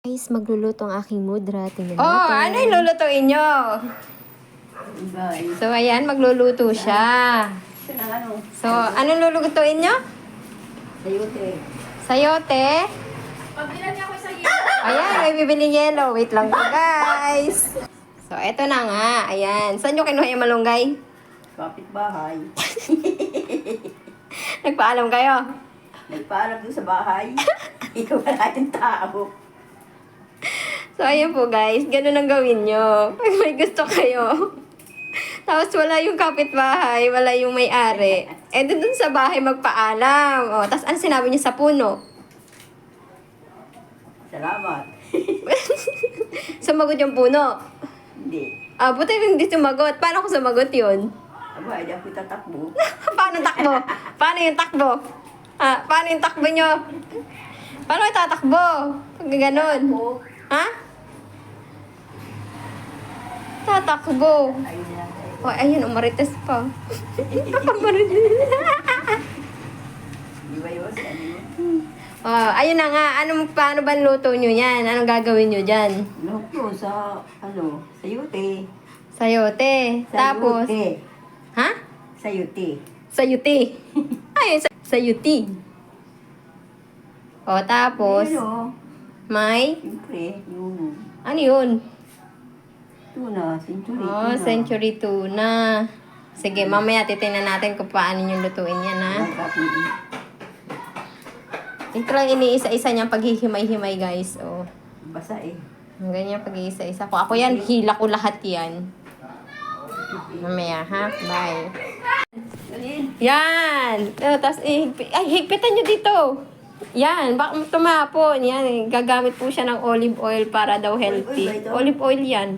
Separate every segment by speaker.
Speaker 1: Guys, magluluto ang aking mudra. Tingnan
Speaker 2: Oh,
Speaker 1: natin.
Speaker 2: ano yung lulutuin nyo? So, ayan, magluluto siya. So, anong lulutuin nyo?
Speaker 3: Sayote.
Speaker 2: Sayote?
Speaker 4: Pagbilan niya ako sa iyo.
Speaker 2: Ayan, may bibiling yelo. Wait lang po, guys. So, eto na nga. Ayan. Saan nyo kinuha yung malunggay?
Speaker 3: Kapit-bahay.
Speaker 2: Nagpaalam kayo?
Speaker 3: Nagpaalam doon sa bahay. Ikaw wala yung tao.
Speaker 2: So, ayan po, guys. Ganun ang gawin nyo. Pag may gusto kayo. Tapos, wala yung kapitbahay. Wala yung may-ari. Eh, dun sa bahay magpaalam. O, tapos, ano sinabi niyo sa puno?
Speaker 3: Salamat.
Speaker 2: Sumagot yung puno.
Speaker 3: Hindi.
Speaker 2: Ah, buti hindi sumagot. Paano ko sumagot yun?
Speaker 3: Aba, hindi ako tatakbo.
Speaker 2: Paano takbo? Paano yung takbo? Ah, paano yung takbo nyo? Paano kayo tatakbo? Pag ganun. Ha? Tatakbo.
Speaker 3: Ayun na.
Speaker 2: Oh, ayun, umarites pa. Umarites.
Speaker 3: Di ba yun? Ano yun?
Speaker 2: Oh, ayun na nga. Paano ba luto nyo yan? Anong gagawin nyo dyan?
Speaker 3: Loko sa, sayote.
Speaker 2: Sayote. Tapos,
Speaker 3: Sayote.
Speaker 2: ha?
Speaker 3: Sayote.
Speaker 2: Sayuti. Ayun, sayuti. O, tapos,
Speaker 3: Pero,
Speaker 2: may,
Speaker 3: siyempre, yung
Speaker 2: ano yun?
Speaker 3: tuna, century
Speaker 2: Oh,
Speaker 3: tuna.
Speaker 2: century tuna. Sige, mamaya titingnan natin kung paano nyo lutuin yan, ha? Ito lang iniisa-isa niyang paghihimay-himay, guys. Oh.
Speaker 3: Basa eh.
Speaker 2: Ang ganyan pag-iisa-isa ko. Ako yan, hila ko lahat yan. Mamaya, ha? Bye.
Speaker 3: Alin?
Speaker 2: Yan! Tapos, higpitan nyo dito. Yan, baka tumapon. Yan, gagamit po siya ng olive oil para daw healthy.
Speaker 3: Olive oil ba ito?
Speaker 2: Olive oil yan.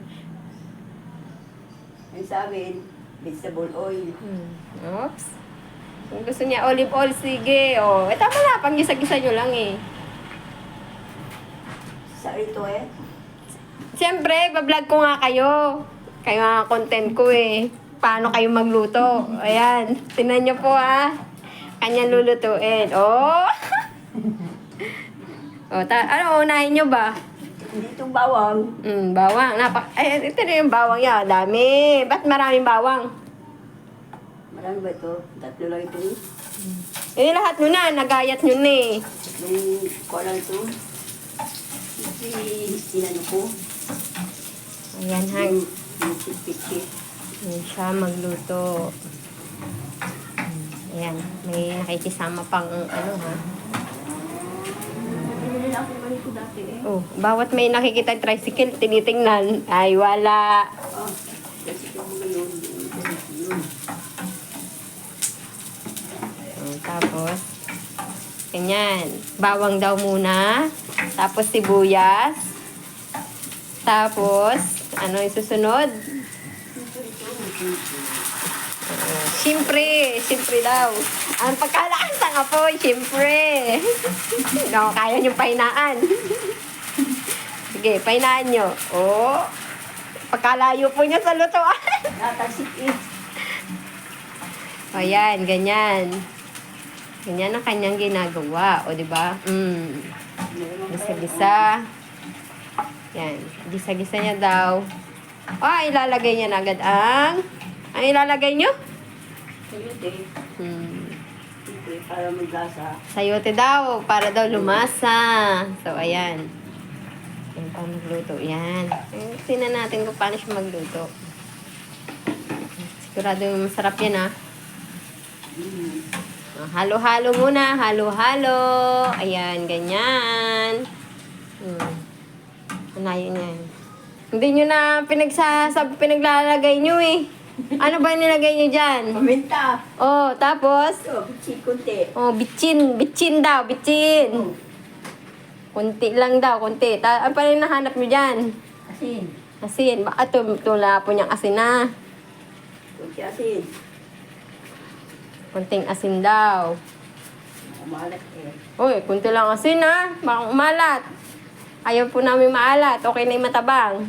Speaker 3: Ang sa amin, vegetable oil.
Speaker 2: Oops. Kung gusto niya olive oil, sige. Oh, tama na, pang gisa-gisa nyo lang eh.
Speaker 3: Sa ito eh.
Speaker 2: Siyempre, bablog ko nga kayo. Kayo nga content ko eh. Paano kayo magluto? Ayan, tinan nyo po ha. Kanyang lulutuin. Oh! Oh, ano, unahin nyo ba?
Speaker 3: Hindi itong bawang.
Speaker 2: Bawang. Ay, ito na yung bawang yan. Dami. Ba't maraming bawang?
Speaker 3: Marami ba ito? Tatlo lang ito eh.
Speaker 2: Eh, lahat nyo na. Nagayat nyo na eh.
Speaker 3: Nung ko lang ito. Sinano ko.
Speaker 2: Ayan ha.
Speaker 3: Yung pitpit.
Speaker 2: Ayan siya magluto. Ayan. May nakikisama pang ano ha.
Speaker 3: Hindi na ako ganito dati eh.
Speaker 2: Oh, bawat may nakikita tricycle, tinitingnan. Ay, wala.
Speaker 3: Ah, kasi ito mo ngayon. Yun.
Speaker 2: Tapos, ganyan. Bawang daw muna. Tapos, sibuyas. Tapos, ano yung susunod? Siyempre daw. Ang pagkalakas ng apoy, siyempre. No, kaya nyo pahinaan. Sige, pahinaan nyo. Oh, pagkalayo po nyo sa lutuan.
Speaker 3: Natasik eh.
Speaker 2: O yan, ganyan. Ganyan ang kanyang ginagawa. O, di ba? Gisa-gisa. Yan. Gisa-gisa niya daw. O, ilalagay niya na agad ang... Ang ilalagay niyo?
Speaker 3: Sayote. Siyempre, para maglasa.
Speaker 2: Sayote daw. Para daw lumasa. So, ayan. Yan pa magluto. Yan. Tingnan natin kung paano siya magluto. Sigurado masarap yan, ha? Halo-halo muna. Halo-halo. Ayan, ganyan. Unayin yan. Hindi nyo na pinaglalagay nyo eh. Ano ba nilagay nyo dyan?
Speaker 3: Paminta.
Speaker 2: Oh, tapos?
Speaker 3: Ito, bitsin konti.
Speaker 2: Oh, bitchin. Bitchin daw, bitchin. Kunti lang daw, kunti. Ano pa rin nahanap nyo dyan?
Speaker 3: Asin.
Speaker 2: Asin. Baka tula po niyang asin na.
Speaker 3: Konti asin.
Speaker 2: Kunting asin daw.
Speaker 3: Umalat eh.
Speaker 2: Uy, kunti lang asin ha. Baka umalat. Ayaw po namin maalat. Okay na yung matabang.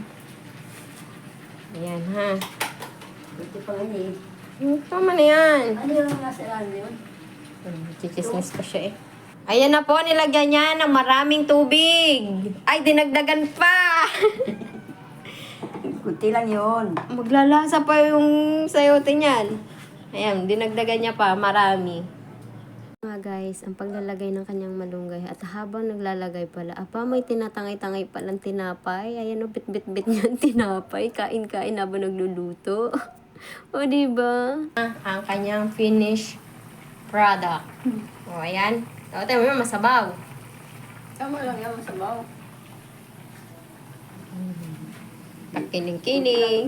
Speaker 2: Ayan ha.
Speaker 3: Konti pa nga eh.
Speaker 2: Tama na yan.
Speaker 3: Ano yung nasa ano yun?
Speaker 2: Chichismis pa siya eh. Ayan na po, nilagyan niya ng maraming tubig. Ay, dinagdagan pa.
Speaker 3: Kunti lang yun.
Speaker 2: Maglalasa pa yung sayote niyan. Ayan, dinagdagan niya pa, marami.
Speaker 1: Mga guys, ang paglalagay ng kanyang malunggay at habang naglalagay pala, may tinatangay-tangay palang tinapay. Ayan o, bit-bit-bit niyan tinapay. Kain-kain habang nagluluto. O, diba?
Speaker 2: Ang kanyang finished product. O, ayan. O, tayo mo masabaw.
Speaker 3: Tama lang yan, masabaw.
Speaker 2: Kiling-kiling.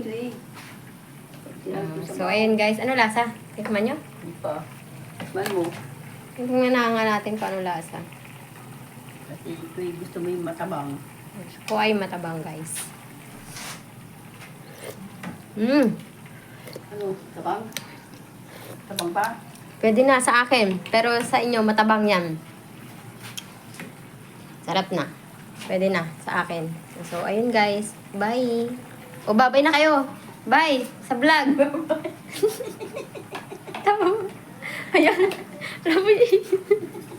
Speaker 2: So, ayan guys. Ano lasa? Tikman nyo?
Speaker 3: Hindi pa. Tikman mo.
Speaker 2: Tingnan na nga natin kung ano lasa.
Speaker 3: Kasi ito gusto mo yung matabang.
Speaker 2: Ko ay matabang guys.
Speaker 3: Ano? Tabang? Tabang pa?
Speaker 2: Pwede na sa akin. Pero sa inyo, matabang yan. Sarap na. Pwede na sa akin. So, ayun guys. Bye. O, bye na kayo. Bye. Sa vlog. Tama. Ayan. Alam mo yun.